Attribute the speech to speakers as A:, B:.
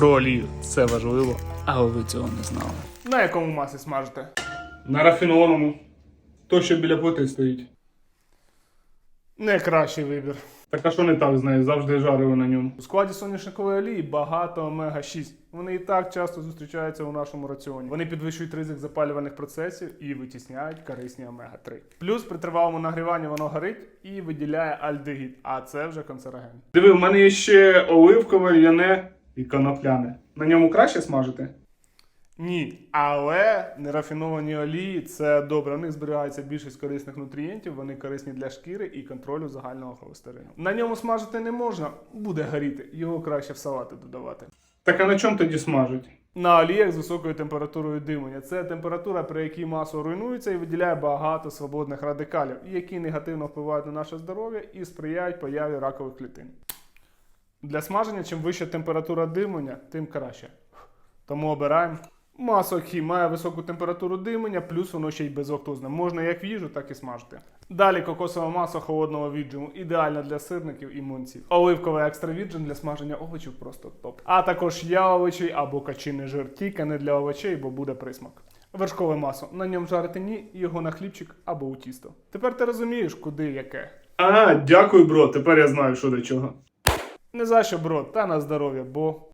A: Про олію. Це важливо, але ви цього не знали.
B: На якому маслі смажите?
A: На рафінованому. То, що біля плити стоїть.
B: Найкращий вибір.
A: Так а що не так з нею? Завжди жарили на ньому.
B: У складі соняшникової олії багато омега-6. Вони і так часто зустрічаються у нашому раціоні. Вони підвищують ризик запалювальних процесів і витісняють корисні омега-3. Плюс при тривалому нагріванні воно горить і виділяє альдегід, а це вже канцероген.
A: Диви, в мене є ще оливкове, ляне і конопляне. На ньому краще смажити?
B: Ні, але нерафіновані олії – це добре. В них зберігається більшість корисних нутрієнтів, вони корисні для шкіри і контролю загального холестерину. На ньому смажити не можна, буде горіти, його краще в салати додавати.
A: Так а на чому тоді смажать?
B: На оліях з високою температурою димлення. Це температура, при якій масло руйнується і виділяє багато свободних радикалів, які негативно впливають на наше здоров'я і сприяють появі ракових клітин. Для смаження, чим вища температура димлення, тим краще. Тому обираємо. Масло хі має високу температуру димлення, плюс воно ще й безлактозне. Можна як в їжу, так і смажити. Далі кокосове масло холодного віджиму. Ідеально для сирників і млинців. Оливковий екстра віджим для смаження овочів просто топ. А також яловичий або качиний жир, тільки не для овочей, бо буде присмак. Вершкове масло. На ньому жарити ні, його на хлібчик або у тісто. Тепер ти розумієш, куди яке.
A: А, дякую, бро, тепер я знаю, що до чого.
B: Не за що, бро, та на здоров'я, бо...